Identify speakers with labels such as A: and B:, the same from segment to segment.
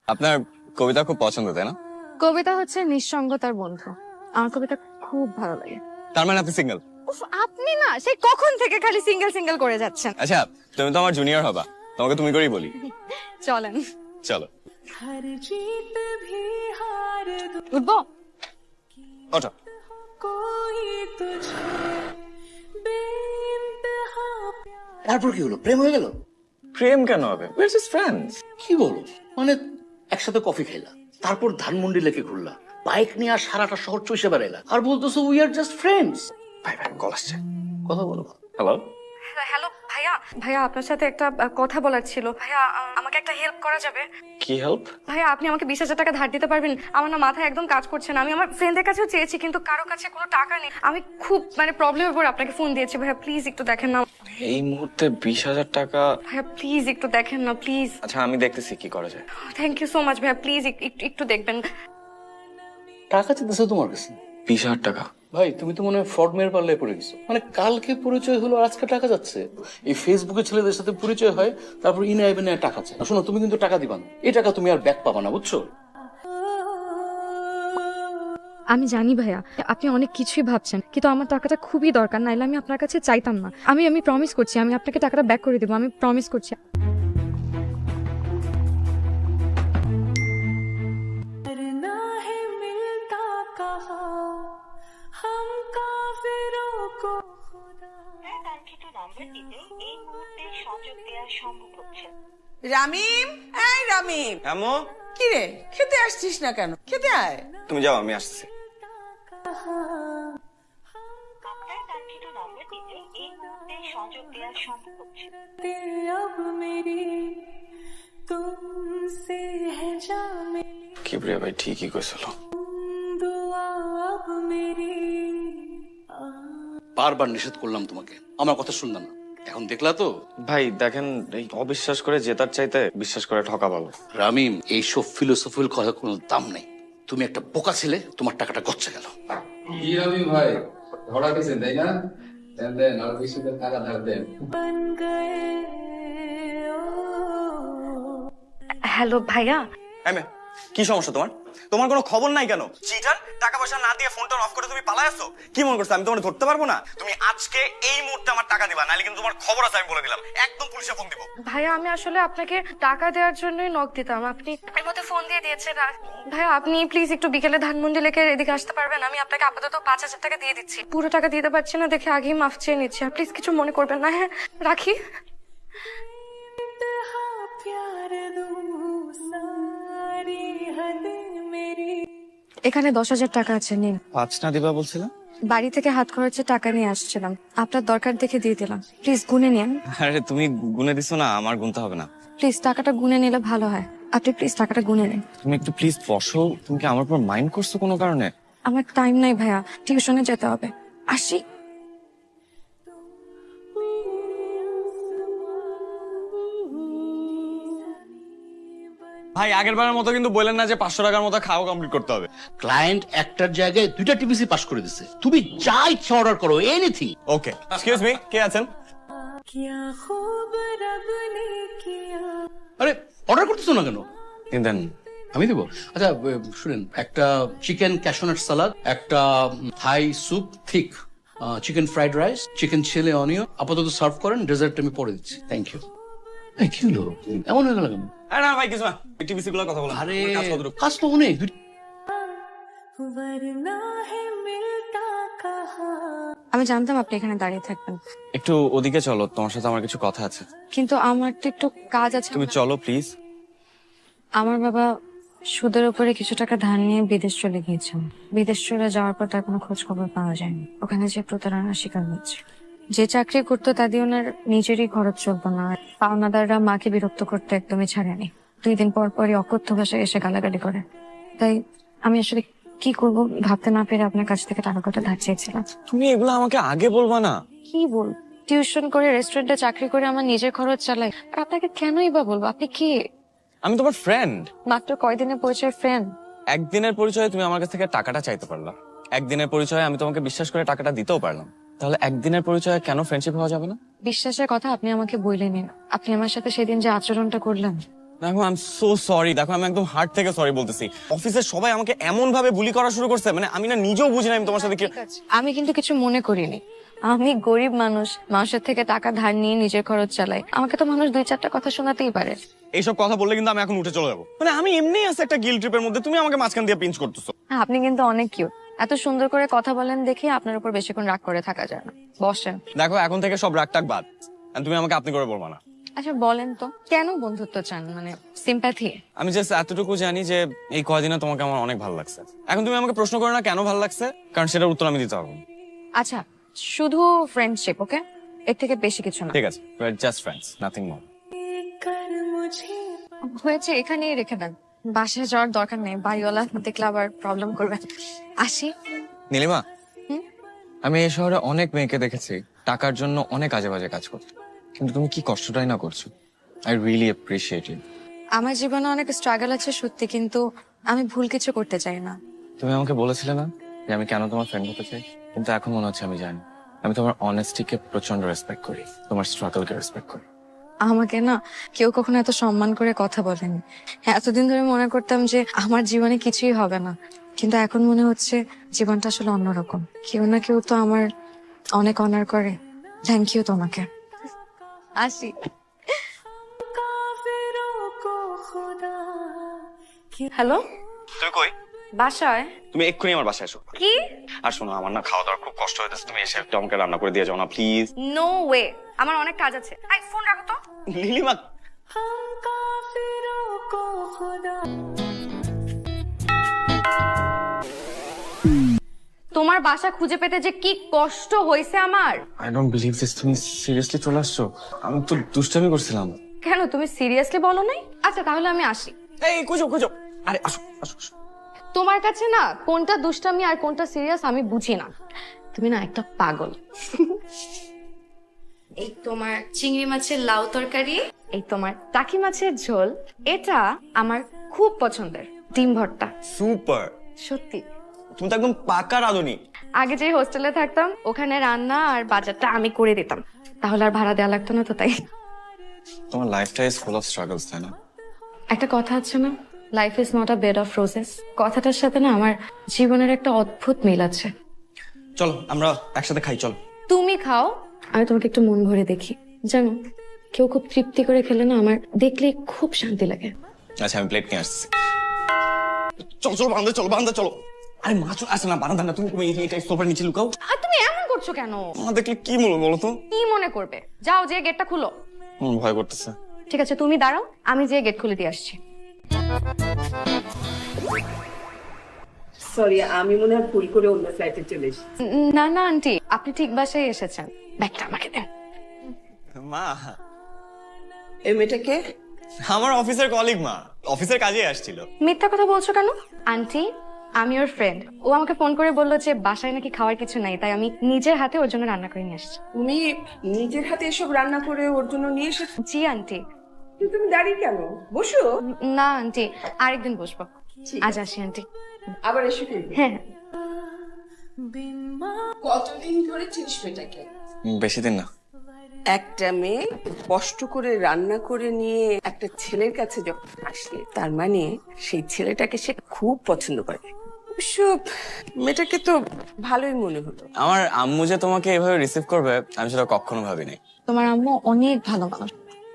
A: আপনার কবিতা খুব পছন্দ, তাই না?
B: কবিতা হচ্ছে নিঃসঙ্গতার বন্ধু। আমার কবিতা খুব ভালো লাগে।
A: তার মানে আপনি সিঙ্গেল?
B: উফ, আপনি না সেই কখন থেকে খালি সিঙ্গেল সিঙ্গেল করে যাচ্ছেন।
A: আচ্ছা, তুমি তো আমার জুনিয়র হবা, তোমাকে তুমি করেই বলি।
B: চলেন
A: চলো
B: উঠবো।
A: ওঠো।
C: তারপর কি হলো? প্রেম হয়ে গেল?
A: প্রেম কেন হবে? We are just friends.
C: কি বলো? মানে একসাথে কফি খাইলা, তারপর ধানমন্ডি লেকে ঘুরলা, বাইক নিয়ে আর সারাটা শহর চষে বেড়াইলা, আর বলতেছো উই আর জাস্ট ফ্রেন্ডস।
A: ভাই ভাই কল আসছে,
C: কথা বলো।
A: হ্যালো।
B: হ্যালো ভাইয়া, ভাইয়া আপনার সাথে একটা কথা বলার ছিল। ভাইয়া আমাকে একটা হেল্প করা যাবে?
A: কি হেল্প?
B: ভাইয়া আপনি আমাকে 20,000 টাকা ধার দিতে পারবেন? আমার না মাথায় একদম কাজ করছে না। আমি আমার ফ্রেন্ডের কাছেও চেয়েছি কিন্তু কারো কাছে কোনো টাকা নেই। আমি খুব প্রবলেমের উপর আপনাকে ফোন দিয়েছি। ভাইয়া প্লিজ একটু দেখেন না।
A: এই মুহূর্তে 20,000 টাকা?
B: ভাইয়া প্লিজ একটু দেখেন না প্লিজ।
A: আচ্ছা আমি দেখতেছি কি করা যায়।
B: থ্যাংক ইউ সো মাচ ভাইয়া, প্লিজ একটু দেখবেন।
C: টাকা চাইতেছে তোমার কাছে?
A: 20,000 টাকা?
C: ভাই তুমি তো মনে হয় ফ্রড মেয়ের পাল্লায় পড়ে গেছো। মানে কালকে পরিচয় হলো, আজকে টাকা যাচ্ছে। এই ফেসবুকে ছেলেদের সাথে পরিচয় হয়, তারপর ইনে আইবে না টাকা চায়। শোনো, তুমি কিন্তু টাকা দিবা না, এই টাকা তুমি আর ব্যাক পাবা না, বুঝছো?
B: আমি জানি ভাইয়া আপনি অনেক কিছুই ভাবছেন, কিন্তু আমার টাকাটা খুবই দরকার, নাইলে আমি আপনার কাছে চাইতাম না। আমি প্রমিস করছি আমি আপনাকে টাকাটা ব্যাক করে দেবো, আমি প্রমিস করছি।
D: রামিম, এই রামিম,
A: আমো,
D: কি রে খেতে আসছিস না কেন? খেতে আয়।
A: তুমি যাও, আমি আসছি। কিবরিয়া ভাই ঠিকই কইছিল।
C: বারবার নিষেধ করলাম তোমাকে, আমার কথা শুনলাম না, এখন দেখলা তো।
A: ভাই দেখেন, এই অবিশ্বাস করে জেতার চাইতে বিশ্বাস করে ঠকা ভালো।
C: রামিম, এইসব ফিলোসফির কথা কোনো দাম নেই। তুমি একটা বোকা ছেলে, তোমার টাকাটা গচ্ছে গেল।
E: কি রবি ভাই, ধরা গেছেন তাই না? দেন দেন, আর বেশি করে টাকা ধার দেন।
B: হ্যালো ভাইয়া।
A: কি সমস্যা তোমার? তোমার কোনো খবর নাই কেন? চিটার, টাকা পয়সা না দিয়ে ফোনটা অফ করে তুমি পালাই আসছো। কি মনে করছো আমি তোমার ধরতে পারবো না? তুমি আজকে এই মুহূর্তে আমার টাকা দিবা, নাহলে কিন্তু তোমার খবর আছে আমি বলে দিলাম, একদম পুলিশে ফোন দিব।
B: ভাইয়া আমি আসলে আপনাকে টাকা দেওয়ার জন্যই নক দিতাম, আপনি এর মধ্যে ফোন দিয়ে দিয়েছেন। ভাইয়া আপনি প্লিজ একটু বিকেলে ধানমন্ডি লেকের এদিকে আসতে পারবেন? আমি আপনাকে আপাতত 5,000 টাকা দিয়ে দিচ্ছি। পুরো টাকা দিতে পারছি না দেখে আগেই মাফ চেয়ে নিচ্ছি, প্লিজ কিছু মনে করবেন না। হ্যাঁ রাখি। এখানে 10,000 টাকা আছে, নিন।
A: 5 না দিবা বলছিলাম?
B: বাড়ি থেকে হাত খরচে টাকা নিয়ে আসছিলাম, আপনার দরকার দেখে দিয়ে দিলাম, প্লিজ গুনে নিন।
A: আরে তুমি গুনে দিছো না, আমার গুনতে হবে না।
B: প্লিজ টাকাটা গুনে নিলে ভালো হয়, আপনি প্লিজ টাকাটা গুনে নিন।
A: তুমি একটু প্লিজ বসো। তুমি কি আমার উপর মাইন্ড করছো কোনো কারণে?
B: আমার টাইম নাই ভাইয়া, টিউশনে যেতে হবে, আসি।
A: ভাই আগের বারের মতো কিন্তু বললেন না যে 500 টাকার মতো খাওয়া কমপ্লিট করতে হবে।
C: ক্লায়েন্ট একটার জায়গায় 2টা টিপিসি পাস করে দিছে, তুমি যা ইচ্ছা অর্ডার করো, এনিথিং।
A: ওকে, এক্সকিউজ মি, কে আছেন?
C: আরে অর্ডার করতেছো না কেন?
A: দেন।
C: আমি দেবো। আচ্ছা শুনেন, একটা চিকেন ক্যাশনাট সালাদ, একটা Thai soup thick, chicken fried rice, chicken chilli onion, আপাতত সার্ভ করেন, ডেজার্ট আমি পরে দিচ্ছি। Thank you. কি হলো, এমন হয়ে গেল কেন?
A: আরে না ভাই কিছু না, টিভিসি গুলো কথা বলো।
C: আরে
A: কাজ কতটুকু?
C: কাজ তো অনেক।
B: আমি জানতাম আপনি এখানে দাঁড়িয়ে থাকবেন,
A: একটু ওদিকে চলো, তোমার সাথে আমার কিছু কথা আছে।
B: কিন্তু আমার তো একটু কাজ আছে।
A: তুমি চলো প্লিজ।
B: আমার বাবা সুদের উপরে কিছু টাকা ধার নিয়ে বিদেশ চলে গিয়েছেন। বিদেশ চলে যাওয়ার পর তার কোনো খোঁজ খবর পাওয়া যায়নি। ওখানে যে প্রতারণার শিকার হয়েছে। যে চাকরি করতো তা দিয়ে ওনার নিজেরই খরচ চলতো না। পাওনাদাররা মাকে বিরক্ত করতে একদমই ছাড়েনি। 2 দিন পর পরই অকথ্য ভাষায় এসে গালাগালি করে। তাই আমি আসলে কি করব ভাবতে না পেরে আপনার কাছ থেকে টাকা কটা ধার চেয়েছিলাম।
A: তুমি এগুলো আমাকে আগে বলবা না?
B: কি বল, টিউশন করে রেস্টুরেন্টে চাকরি করে আমার নিজের খরচ চালাই, আর আপনাকে কেনই বা বলবো? আপনি কি?
A: আমি তোমার ফ্রেন্ড।
B: মাত্র কয়দিনের পরিচয় ফ্রেন্ড।
A: একদিনের পরিচয়ে তুমি আমার কাছ থেকে টাকাটা চাইতে পারলা, একদিনের পরিচয়ে আমি তোমাকে বিশ্বাস করে টাকাটা দিতেও পারলাম, তাহলে একদিনের পরিচয়ে কেন ফ্রেন্ডশিপ হওয়া যাবে না?
B: বিশ্বাসের কথা আপনি আমাকে বললেন, আপনি আমার সাথে সেদিন যে আচরণটা করলেন
A: দেখো আই এম সো সরি, দেখো আমি একদম হার্ট থেকে সরি বলতেছি। অফিসের সবাই আমাকে এমন ভাবে বুলি করা শুরু করছে, মানে আমি না নিজেও বুঝি না আমি তোমার সাথে কি।
B: আমি কিন্তু কিছু মনে করিনি। আমি গরিব মানুষ, মানুষের থেকে টাকা ধার নিয়ে নিজের খরচ চালাই। আমাকে তো মানুষ 2-4টা কথা শোনাতেই পারে।
A: এইসব কথা বললে কিন্তু আমি এখন উঠে চলে যাবো। মানে আমি এমনি আছে একটা গিল ট্রিপের মধ্যে, তুমি আমাকে মাঝখান দিয়ে পিঞ্চ করতেছো।
B: হ্যাঁ, আপনি কিন্তু অনেক কিউট। এত সুন্দর করে কথা বলেন দেখে আপনার উপর বেশিক্ষণ রাগ করে থাকা যায় না। বসেন।
A: দেখো এখন থেকে সব রাগ টাক বাদ, আর তুমি আমাকে আপনি করে বলবা না।
B: আচ্ছা বলেন তো, কেন বন্ধুত্ব চান? মানে সিম্প্যাথি?
A: আমি জাস্ট এতটুকু জানি যে এই কয়দিনে তোমাকে আমার অনেক ভালো লাগছে। এখন তুমি আমাকে প্রশ্ন করো না কেন ভালো লাগছে, কারণ সেটার উত্তর আমি দিতে পারবো না।
B: আচ্ছা, শুধু ফ্রেন্ডশিপ, ওকে? এর থেকে বেশি কিছু না।
A: ঠিক আছে, জাস্ট ফ্রেন্ডস, নাথিং মোর।
B: হয়েছে, এখানেই রেখে দেন। বাসায় যাওয়ার দরকার নেই, বাড়িওয়ালা দেখলে আবার প্রবলেম করবে। আসি।
A: নীলিমা,
B: হুম?
A: আমি এই শহরে অনেক মেয়েকে দেখেছি টাকার জন্য অনেক আজে বাজে কাজ করতে, কিন্তু তুমি কি কষ্টটাই না করছো। I really appreciate it.
B: আমার জীবনে অনেক স্ট্রাগল আছে সত্যি, কিন্তু আমি ভুল কিছু করতে চাই না।
A: তুমি আমাকে বলেছিলে না যে আমি কেন তোমার ফ্রেন্ড হতে চাই, কিন্তু এখন মনে হচ্ছে আমি জানি। আমি তোমার অনেস্টিকে প্রচন্ড রেসপেক্ট করি, তোমার স্ট্রাগলকে রেসপেক্ট করি।
B: আমাকে না কেউ কখনো এত সম্মান করে কথা বলেনি। হ্যাঁ, এতদিন ধরে মনে করতাম যে আমার জীবনে কিছুই হবে না, কিন্তু এখন মনে হচ্ছে জীবনটা আসলে অন্যরকম। কেউ না কেউ তো আমার অনেক অনার করে। থ্যাংক ইউ তোমাকে। আসি। হ্যালো,
A: তুমি কই?
B: বাসায়।
A: তুমি এক্ষুনি আমার বাসায় এসো।
B: কি?
A: আর শোনো, আমার না খাওয়া দাওয়ার খুব কষ্ট হইতেছে, তুমি এসে একটু আমাকে রান্না করে দিয়ে যাও না প্লিজ।
B: নো ওয়ে, আমার অনেক কাজ আছে। আই ফোন রাখো তো।
A: নীলিমা,
B: তোমার বাসা খুঁজে পেতে যে কি কষ্ট হয়েছে আমার।
A: I don't believe this. তুমি সিরিয়াসলি চলে আসছো? আমি তো দুষ্টামি করছিলাম।
B: কেন, তুমি সিরিয়াসলি বলো নাই? আচ্ছা তাহলে আমি আসি।
A: এই খুঁজো খুঁজো, আরে আসো আসো আসো।
B: তোমার কাছে না কোনটা দুষ্টামি আর কোনটা সিরিয়াস আমি বুঝি না। তুমি না একটা পাগল। এই তোমার চিংড়ি মাছের লাউ তরকারি, এই তোমার টাকি মাছের ঝোল, এটা আমার খুব পছন্দের। ডিম ভর্তা,
A: সুপার।
B: সত্যি।
A: তুমি তো একদম পাকা রাঁধুনি।
B: আগে যে হোস্টেলে থাকতাম ওখানে রান্না আর বাজারটা আমি করে দিতাম, তাহলে আর ভাড়া দেওয়া লাগতো না তো, তাই।
A: তোমার লাইফটা ইজ ফুল অফ স্ট্রাগলস, তাই না?
B: একটা কথা আছে না, life is not a bed of roses. কথাটার সাথে না আমার জীবনের একটা অদ্ভুত মিল আছে।
A: চলো আমরা একসাথে খাই, চলো।
B: তুমি খাও, আমি তোমাকে একটু মন ভরে দেখি। জানো, কেউ খুব তৃপ্তি করে খেলে না আমার দেখলে খুব শান্তি লাগে।
A: আচ্ছা আমি প্লেট নিয়ে আসছি। চলো চলো বারান্দা, চলো বারান্দা চলো। আরে মাছ আসে না বারান্দা না, তুমি এটা সোফার নিচে লুকাও।
B: আর তুমি এমন করছো কেন?
A: মা দেখলে কি বলবো বলো তো?
B: কি মনে করবে? যাও, যে গেটটা খুলো।
A: ভয় করতেছে।
B: ঠিক আছে, তুমি দাঁড়াও, আমি যে গেট খুলে দিয়ে আসছি।
D: সরি, আমি মনে হয় ভুল করে অন্য ফ্লাইটে চলে এসেছি।
B: না না আন্টি, আপনি ঠিক বাসায় এসেছেন। ব্যাগটা আমাকে দেন।
A: মা,
D: এই মেয়েটাকে
A: আমার অফিসের কলিগ, মা অফিসের কাজে আসছিল।
B: মিথ্যা কথা বলছো কেন? আন্টি, আমি ওর ফ্রেন্ড। ও আমাকে ফোন করে বললো যে বাসায় নাকি খাওয়ার কিছু নাই, তাই আমি নিজের হাতে ওর জন্য রান্না করে নিয়ে আসছি।
D: তুমি নিজের হাতে এসব রান্না করে ওর জন্য নিয়ে এসেছো?
B: জি আন্টি।
D: কিন্তু তুমি দাঁড়িয়ে কেন? বসো।
B: না আন্টি, আরেকদিন বসবো। আজ আসি আন্টি।
D: আবার এসে কিন্তু।
B: হ্যাঁ।
D: কতদিন ধরে চিনিস মেয়েটাকে?
A: বেশি দিন না।
D: একটা মেয়ে কষ্ট করে রান্না করে নিয়ে একটা ছেলের কাছে যখন আসে, তার মানে সেই ছেলেটাকে সে খুব পছন্দ করে। অবশ্য মেয়েটাকে তো ভালোই মনে হলো।
A: আমার আম্মু যে তোমাকে এভাবে রিসিভ করবে আমি সেটা কখনো ভাবিনি।
B: তোমার আম্মু অনেক ভালো মানুষ।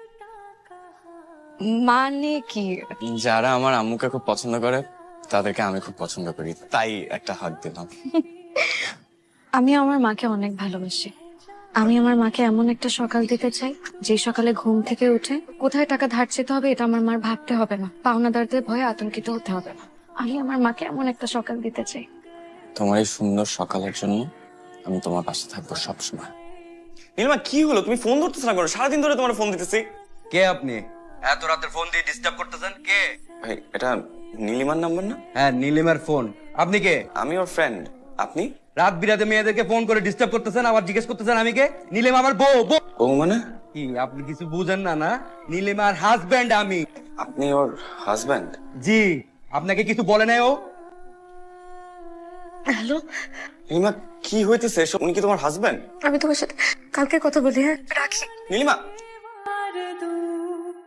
B: মানে কি?
A: যারা আমার আম্মুকে খুব পছন্দ করে তাদেরকে আমি খুব পছন্দ করি, তাই একটা হাত দিলাম।
B: আমি আমার মাকে অনেক ভালোবাসি। আমি আমার মাকে এমন একটা সকাল দিতে চাই যে সকালে ঘুম থেকে উঠে কোথায় টাকা ধার চেতে হবে এটা আমার মার ভাবতে হবে না, পাওনাদারদের ভয়ে আতঙ্কিত হতে হবে না। আমি আমার মাকে এমন একটা সকাল দিতে চাই।
A: তোমার এই সুন্দর সকালের জন্য আমি তোমার পাশে থাকবো সবসময়। নীলিমা কি হলো, তুমি ফোন ধরতেছ না? করো সারাদিন ধরে তোমার ফোন দিতেছি।
F: কে আপনি? এত রাতের ফোন দিয়ে ডিস্টার্ব করতেছেন? কে?
A: ভাই এটা নীলিমার নাম্বার না?
F: হ্যাঁ, নীলিমার ফোন। আপনি কে?
A: আমি ওর ফ্রেন্ড। আপনি?
F: রাত বিরাতে মেয়েদেরকে ফোন করে ডিস্টার্ব করতেছেন, আবার জিজ্ঞেস করতেছেন আমি কে? নীলিমা আমার বউ।
A: ও মানে?
F: কি আপনি কিছু বুঝেন না? না, নীলিমার হাজবেন্ড আমি।
A: আপনি ওর হাজবেন্ড?
F: জি। আপনাকে কিছু বলে নাই ও?
B: হ্যালো,
A: নীলিমা কি হইতেছে এসব? উনি কি তোমার হাজবেন্ড?
B: আমি তোমার সাথে কালকে কথা বলি। হ্যাঁ, রাখি।
A: নীলিমা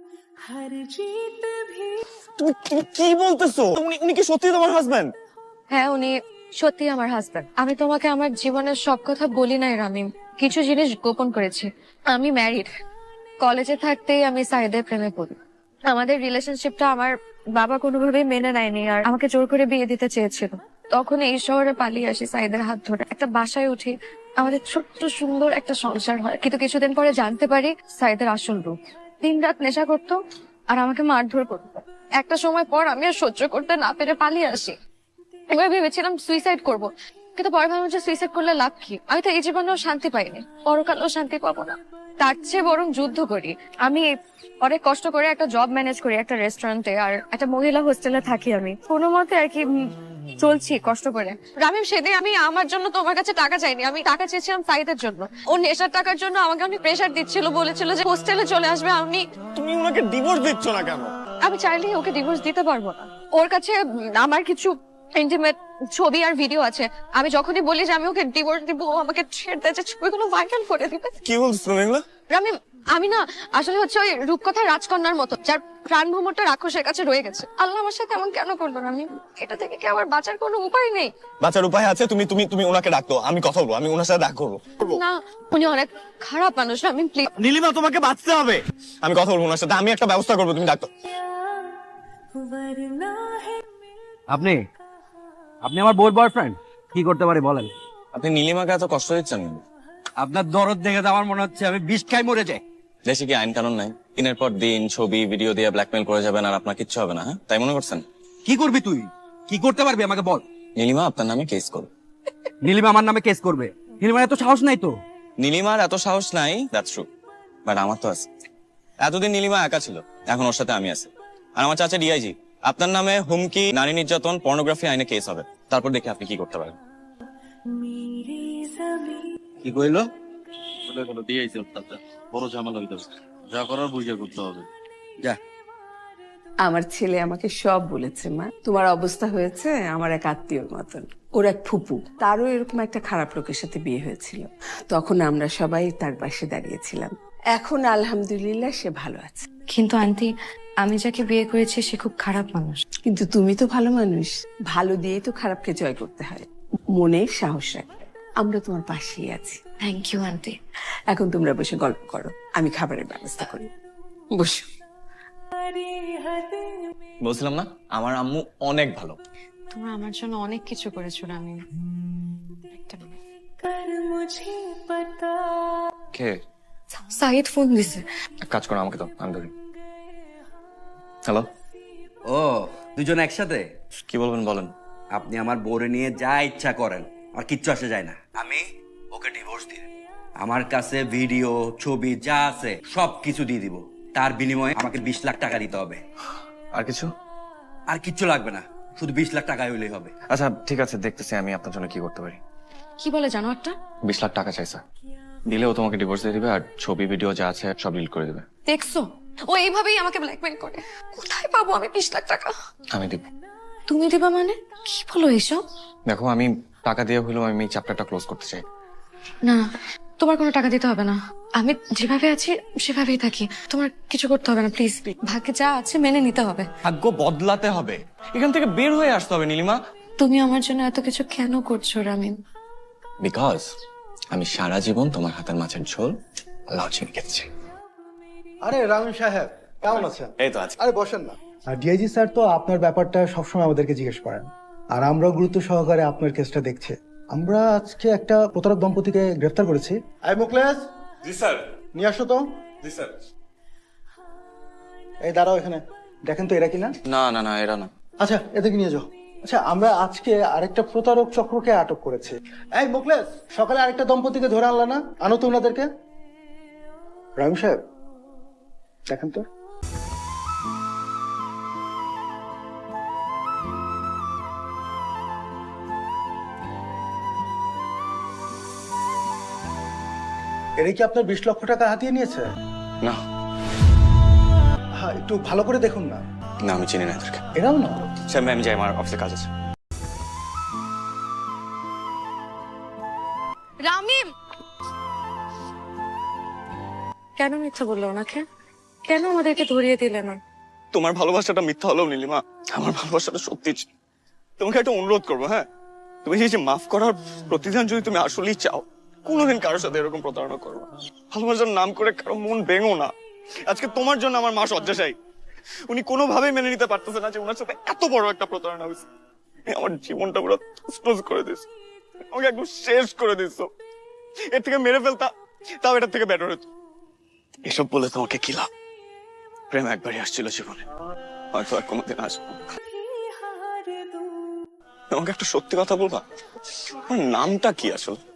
A: তুমি তুমি কি বলতেছো? উনি উনি কি সত্যি তোমার হাজবেন্ড?
B: হ্যাঁ, উনি সত্যি আমার হাজবেন্ড। আমি তোমাকে আমার জীবনের সব কথা বলি নাই রামিম, কিছু জিনিস গোপন করেছি। আমি ম্যারিড। কলেজে থাকতেই আমি সাইদের প্রেমে পড়ি। আমাদের রিলেশনশিপটা আমার বাবা কোনোভাবেই মেনে নেয়নি আর আমাকে জোর করে বিয়ে দিতে চেয়েছিল। তখন এই শহরে পালিয়ে আসি সাইদের হাত ধরে, একটা বাসায় উঠি, আমাদের ছোট্ট সুন্দর একটা সংসার হয়। কিন্তু কিছুদিন পরে জানতে পারি সাইদের আসল রূপ। দিনরাত নেশা করতো আর আমাকে মারধর করতো। একটা সময় পর আমি আর সহ্য করতে না পেরে পালিয়ে আসি। এবার ভেবেছিলাম সুইসাইড করব, কিন্তু পরে ভাবলাম যে সুইসাইড করলে লাভ কি? আমি তো এই জীবনেও শান্তি পাইনি, পরকালেও শান্তি পাবো না। তার চেয়ে বরং যুদ্ধ করি। আমি অনেক কষ্ট করে একটা জব ম্যানেজ করি একটা রেস্টুরেন্টে, আর একটা মহিলা হোস্টেলে থাকি। আমি কোনো মতে আর কি চলছি কষ্ট করে। রামিম, সেদিন আমি আমার জন্য তোমার কাছে টাকা চাইনি, আমি টাকা চেয়েছিলাম সাইদের জন্য। ও নেশার টাকার জন্য আমাকে অনেক প্রেশার দিচ্ছিল, বলেছিল যে হোস্টেলে চলে আসবে।
A: তুমি ওনাকে ডিভোর্স দিচ্ছ না কেন?
B: আমি চাইলেই ওকে ডিভোর্স দিতে পারবো না। ওর কাছে আমার কিছু ইন্টিমেট ছবি আর ভিডিও আছে। আমি যখনই বলি যে আমি ওকে ডিভোর্স দিব, ও আমাকে ছেড়ে দেয়, যে ছবিগুলো ভাইরাল করে দিবে।
A: কি বলছো তুমি এগুলো?
B: রামিম, আমি না আসলে হচ্ছে ওই রূপকথার রাজকন্যার মতো, যার প্রাণ ভ্রমণটা রাক্ষসের কাছে রয়ে গেছে। আল্লাহ আমার সাথে এমন কেন করলো রামিম? এটা থেকে কি আমার বাঁচার কোনো উপায় নেই?
A: বাঁচার উপায় আছে। তুমি তুমি তুমি ওনাকে ডাকতো, আমি কথা বলবো, আমি ওনার সাথে দেখা করবো।
B: না, উনি অনেক খারাপ মানুষ রামিম, প্লিজ।
A: নীলিমা, তোমাকে বাঁচতে হবে। আমি কথা বলবো ওনার সাথে, আমি একটা ব্যবস্থা করবো, তুমি ডাকতো।
F: আপনি আপনি আমার বউর বয়ফ্রেন্ড, কি করতে পারি বলেন?
A: আপনি নীলিমাকে এত কষ্ট দিচ্ছেন?
F: আপনার দরদ দেখে তো আমার মনে হচ্ছে আমি বিষ খাই মরে যাই।
A: দেশে কি আইন কানুন নাই? দিনের পর দিন ছবি ভিডিও দিয়ে ব্ল্যাকমেল করে যাবেন আর আপনার কিচ্ছু হবে না? হ্যাঁ, তাই মনে করছেন?
F: কি করবি তুই? কি করতে পারবি আমাকে বল।
A: নীলিমা আপনার নামে কেস করবে।
F: নীলিমা আমার নামে কেস করবে? নীলিমার এত সাহস নাই তো।
A: নীলিমার এত সাহস নাই, দ্যাটস ট্রু, বাট আমার তো আছে। এতদিন নীলিমা একা ছিল, এখন ওর সাথে আমি আছি। আর আমার চাচা ডিআইজি, আপনার নামে হুমকি, নারী নির্যাতন, পর্নোগ্রাফি আইনে কেস হবে। তারপর দেখি আপনি কি করতে পারেন।
F: কি কইলো?
G: বড় ঝামেলা হইতেছে, যা করার বুঝে করতে হবে।
F: যা।
D: আমার ছেলে আমাকে সব বলেছে, মা তোমার অবস্থা হয়েছে আমার এক আত্মীয়র মতন। ওর এক ফুপু, তারও এরকম একটা খারাপ লোকের সাথে বিয়ে হয়েছিল। তখন আমরা সবাই তার পাশে দাঁড়িয়েছিলাম। এখন আলহামদুলিল্লাহ সে ভালো আছে।
B: কিন্তু আন্টি, আমি যাকে বিয়ে করেছি সে খুব খারাপ মানুষ।
D: কিন্তু তুমি তো ভালো মানুষ, ভালো দিয়েই তো খারাপকে জয় করতে হয়। মনে সাহস রাখবে, আমরা তোমার পাশেই আছি।
B: Thank you aunty.
D: এখন তোমরা বসে গল্প করো, আমি খাবারের ব্যবস্থা করি। বসো।
A: বলছিলাম না, আমার আম্মু অনেক ভালো।
B: তোমরা আমার জন্য অনেক কিছু করেছো রামিম। একটা minute।
A: কে?
B: সাইদ ফোন দিছে।
A: এক কাজ করো, আমাকে তো, আমি ধরি। হ্যালো,
F: ও, দুজন একসাথে?
A: কি বলবেন বলেন।
F: আপনি আমার বউরে নিয়ে যা ইচ্ছা করেন, আর কিচ্ছু আসে যায় না। আমি ওকে ডিভোর্স দিই। আমার কাছে ভিডিও ছবি যা আছে সব কিছু দিয়ে দিব। তার বিনিময়ে আমাকে 20 লাখ টাকা দিতে হবে।
A: আর কিছু?
F: আর কিচ্ছু লাগবে না, শুধু 20 লাখ টাকা হইলেই হবে।
A: আচ্ছা ঠিক আছে, দেখতেছি আমি আপনার জন্য কি করতে পারি।
B: কি বলে জানো একটা?
A: 20 লাখ টাকা চাইছে, দিলেও তোমাকে ডিভোর্স দিয়ে দিবে আর ছবি ভিডিও যা আছে সব ডিলিট করে দিবে।
B: দেখছো, ও এইভাবেই আমাকে ব্ল্যাকমেল করে। কোথায় পাবো আমি 20 লাখ টাকা?
A: আমি দিব।
B: তুমি দিবা মানে? কি বলো এসব?
A: দেখো, আমি টাকা দিয়ে হলেও আমি এই চ্যাপ্টারটা ক্লোজ করতে চাই।
B: না, তোমার কোনো টাকা দিতে হবে না। আমি যেভাবে আছি সেভাবেই থাকি, তোমার কিছু করতে হবে না প্লিজ। ভাগ্যে যা আছে মেনে নিতে হবে।
A: ভাগ্য বদলাতে হবে, এখান থেকে বের হয়ে আসতে হবে নীলিমা।
B: তুমি আমার জন্য এত কিছু কেন করছো রামিম?
A: বিকজ আমি সারা জীবন তোমার হাতের মাছের ঝোল লাউ চিনি খেতেছি।
H: আরে রামিম সাহেব, কেমন আছেন?
A: এই তো আছে।
H: আরে বসেন না। আর ডিআইজি স্যার তো আপনার ব্যাপারটা সবসময় আমাদেরকে জিজ্ঞেস করেন, আর আমরাও গুরুত্ব সহকারে আপনার কেসটা দেখছি। আমরা আজকে একটা প্রতারক দম্পতিকে গ্রেফতার করেছি। আই মুকলেশ।
A: জি স্যার।
H: নিয়ে আসো তো।
A: জি স্যার।
H: এই দাঁড়াও এখানে, দেখেন তো এরা কিনা।
A: না না না, এরা না।
H: আচ্ছা, এদেরকে নিয়ে যাও। আচ্ছা, আমরা আজকে আরেকটা প্রতারক চক্রকে আটক করেছি। এই মুকলেশ, সকালে আরেকটা দম্পতিকে ধরে আনলা না? আনো তো ওনাদেরকে। রামিম সাহেব, দেখেন তো। এরা কি আপনার 20 লক্ষ টাকা হাতিয়ে নিয়েছে?
A: না
H: হ্যাঁ, একটু ভালো করে দেখুন না।
A: না, আমি চিনি না এদেরকে।
H: এরাও না?
A: স্যার, আমি যাই, আমার অফিসে কাজ আছে।
B: রামিম, কেন মিথ্যা বললো ওনাকে? কেন আমাদেরকে ধরিয়ে দিলে না?
A: তোমার ভালোবাসাটা মিথ্যা হলেও নীলিমা, আমার ভালোবাসাটা সত্যি ছিল। তোমাকে একটা অনুরোধ করবো, হ্যাঁ, তুমি এই যে মাফ করার প্রতিদান যদি তুমি আসলেই চাও, কোনোদিন কারোর সাথে এরকম প্রতারণা করো না। ভালোবাসার নাম করে কারো মন ভেঙো না। আজকে তোমার জন্য আমার মা শয্যাশায়ী। উনি কোনোভাবেই মেনে নিতে পারতেছে না যে ওনার সাথে এত বড় একটা প্রতারণা হয়েছে। আমার জীবনটা পুরো তছনছ করে দিস, আমাকে একদম শেষ করে দিস। এর থেকে মেরে ফেলতা, তাও এটার থেকে বেটার হতো। এসব বলে তোমাকে কি লাভ? প্রেম একবারই আসছিল জীবনে, হয়তো আর কোনোদিন আসবো না। তোমাকে একটা সত্যি কথা বলবা, আমার নামটা কি আসলে?